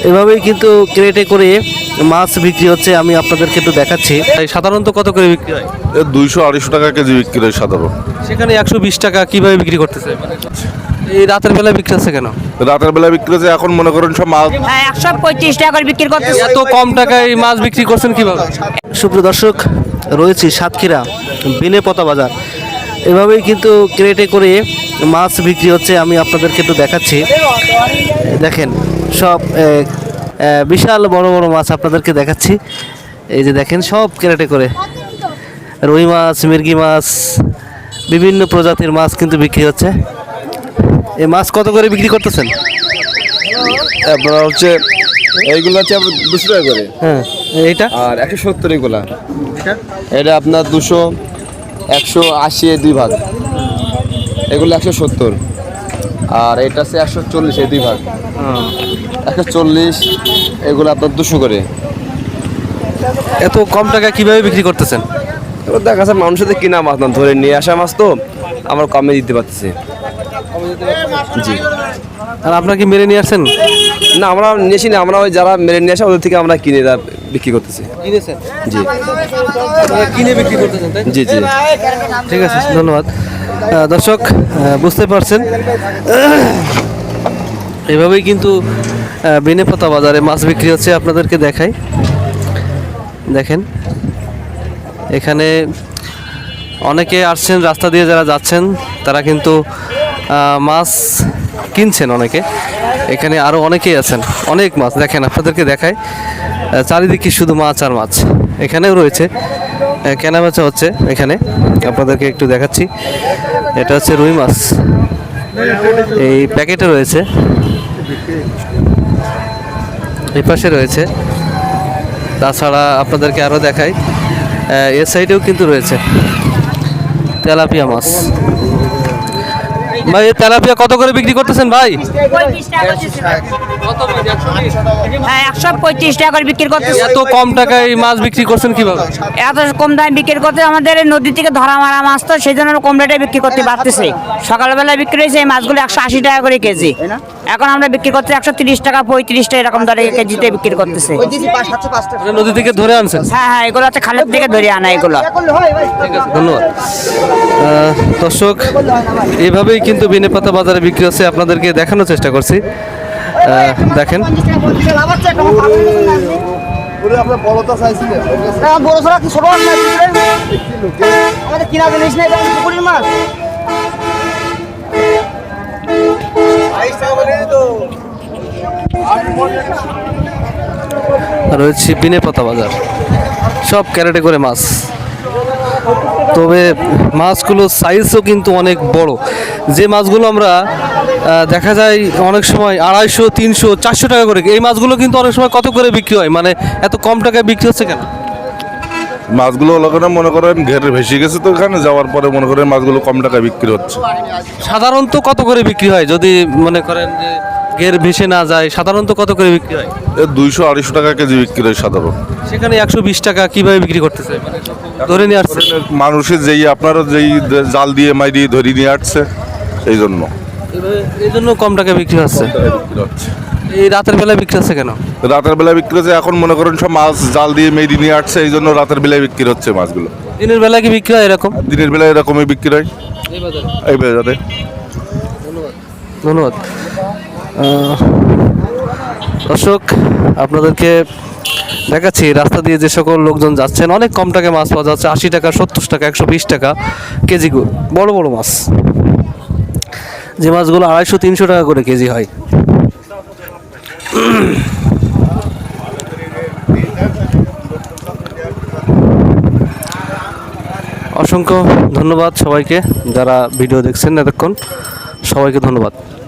এভাবেই কিন্তু ক্রেটে করে মাছ বিক্রি হচ্ছে, আমি আপনাদেরকে একটু দেখাচ্ছি। সাধারণত কত করে বিক্রি হয়? 200-250 টাকা কেজি বিক্রি হয় সাধারণ। সেখানে 120 টাকা কিভাবে বিক্রি করতেছে? এই রাতের বেলায় বিক্রি হচ্ছে কেন? রাতের বেলা বিক্রি হচ্ছে, এখন মনে করেন সব মাছ 135 টাকা করে বিক্রি করতেছে। এত কম টাকায় মাছ বিক্রি করছেন কিভাবে? সুপ্রিয় দর্শক, রয়েছি সাতক্ষীরা বেলেপতা বাজার। এভাবেই কিন্তু ক্রেটে করে মাছ বিক্রি হচ্ছে, আমি আপনাদেরকে একটু দেখাচ্ছি। দেখেন সব বিশাল বড় বড় মাছ আপনাদেরকে দেখাচ্ছি। এই যে দেখেন সব ক্রেটে করে রুই মাছ, মির্গি মাছ, বিভিন্ন প্রজাতির মাছ কিন্তু বিক্রি হচ্ছে। এই মাছ কত করে বিক্রি করতেছেন? আপনার হচ্ছে এইগুলো হচ্ছে 200 টাকা করে। হ্যাঁ, এইটা আর 170 এগুলা। এটা আপনার 200, 180 দুই ভাগ। এগুলো 170। আর এটা আছে 140 দুই ভাগ। 140 এগুলো আপনার 200 করে। এত কম টাকায় কিভাবে বিক্রি করতেছেন? এবার দেখা যাচ্ছে মানুষের তো কিনা মাছ না, ধরে নিয়ে আসা মাছ তো আমরা কমে দিতে পারতেছি। জি। আর আপনার কি মেরে নিয়ে আসছেন? না, আমরা নিয়েছি না, আমরা ওই যারা মেরে নিয়ে আসে ওদের থেকে আমরা কিনে বিক্রি করতেছি। কিনেছেন? জি কিনে বিক্রি করতেছেন, তাই? জি জি। ঠিক আছে, ধন্যবাদ। দর্শক, বুঝতে পারছেন এভাবেই কিন্তু বেলেপতা বাজারে মাছ বিক্রি হচ্ছে। আপনাদেরকে দেখাই, দেখেন এখানে অনেকে আসছেন, রাস্তা দিয়ে যারা যাচ্ছেন তারা কিন্তু মাছ কিনছেন অনেকে। এখানে আরও অনেকেই আছেন, অনেক মাছ দেখেন, আপনাদেরকে দেখায় চারিদিকে শুধু মাছ আর মাছ। এখানেও রয়েছে, কেনাবেচা হচ্ছে এখানে, আপনাদেরকে একটু দেখাচ্ছি। এটা হচ্ছে রুই মাছ, এই প্যাকেটে রয়েছে, এই পাশে রয়েছে। তাছাড়া আপনাদেরকে আরও দেখাই, এ সাইডেও কিন্তু রয়েছে তেলাপিয়া মাছ। ভাই, এই তেলাপিয়া কত করে বিক্রি করতেছেন ভাই? 135 টাকা করে বিক্রি করতেছে। এত কম টাকায় মাছ বিক্রি করছেন কিভাবে? এত কম দামে বিক্রি করতে আমাদের নদী থেকে ধরা মারা মাছ তো, সেই জন্য কম রেটে বিক্রি করতে পারতেছি। সকালবেলা বিক্রি হয়েছে এই মাছগুলো 180 টাকা করে কেজি, এখন আমরা বিক্রি করতে 130 টাকা, 35 টাকা এরকম দরে কেজিতে বিক্রি করতেছে। নদী থেকে ধরে আনছেন? হ্যাঁ হ্যাঁ, এগুলো হচ্ছে খালের থেকে ধরে আনা এগুলো। ঠিক আছে, ধন্যবাদ। দর্শক, এইভাবেই কিন্তু বেলেপতা বাজারে বিক্রি হচ্ছে, আপনাদেরকে দেখানোর চেষ্টা করছি। দেখেন রয়েছে বেলেপতা বাজার, সব ক্যারেটে করে মাছ। তবে মাছগুলো সাইজও কিন্তু অনেক বড়। যে মাছগুলো আমরা দেখা যায় অনেক সময় 250, 300, 400 টাকা করে, এই মাছগুলো কিন্তু অনেক সময় কত করে বিক্রি হয়? মানে এত কম টাকায় বিক্রি হচ্ছে কেন? মাছগুলো ওখানে মনে করেন ঘেরে ভেসে গেছে, তো ওখানে যাওয়ার পরে মনে করেন মাছগুলো কম টাকায় বিক্রি হচ্ছে। সাধারণত কত করে বিক্রি হয় যদি মনে করেন যে ঘের ভেসে না যায়? সাধারণত কত করে বিক্রি হয়? 200-250 টাকা কেজি বিক্রি হয় সাধারণ। সেখানে 120 টাকা কিভাবে বিক্রি করতেছে? মানে ধরে নিয়ে আসছে মানুষের আপনারা যেই জাল দিয়ে মাইরিয়ে ধরে নিয়ে আসছে, এই জন্য কম টাকায় বিক্রি হচ্ছে। এই রাতের বেলায় বিক্রি হচ্ছে কেন? রাতের বেলা বিক্রি হচ্ছে, এখন মনে করেন সব মাছ জাল দিয়ে মেরি নিয়ে আসছে, এই জন্য রাতের বেলায় বিক্রি হচ্ছে মাছগুলো। দিনের বেলায় কি বিক্রি হয় এরকম? দিনের বেলায় এরকমই বিক্রি হয় এই বাজারে। ধন্যবাদ। দর্শক, আপনাদেরকে দেখাচ্ছি রাস্তা দিয়ে যে সকল লোকজন যাচ্ছেন, অনেক কম টাকায় মাছ পাওয়া যাচ্ছে। 80 টাকা, 70 টাকা, 120 টাকা কেজি বড় বড় মাছ, যে মাছগুলো 250-300 টাকা করে কেজি হয়। অসংখ্য ধন্যবাদ সবাইকে যারা ভিডিও দেখছেন এতক্ষণ, সবাইকে ধন্যবাদ।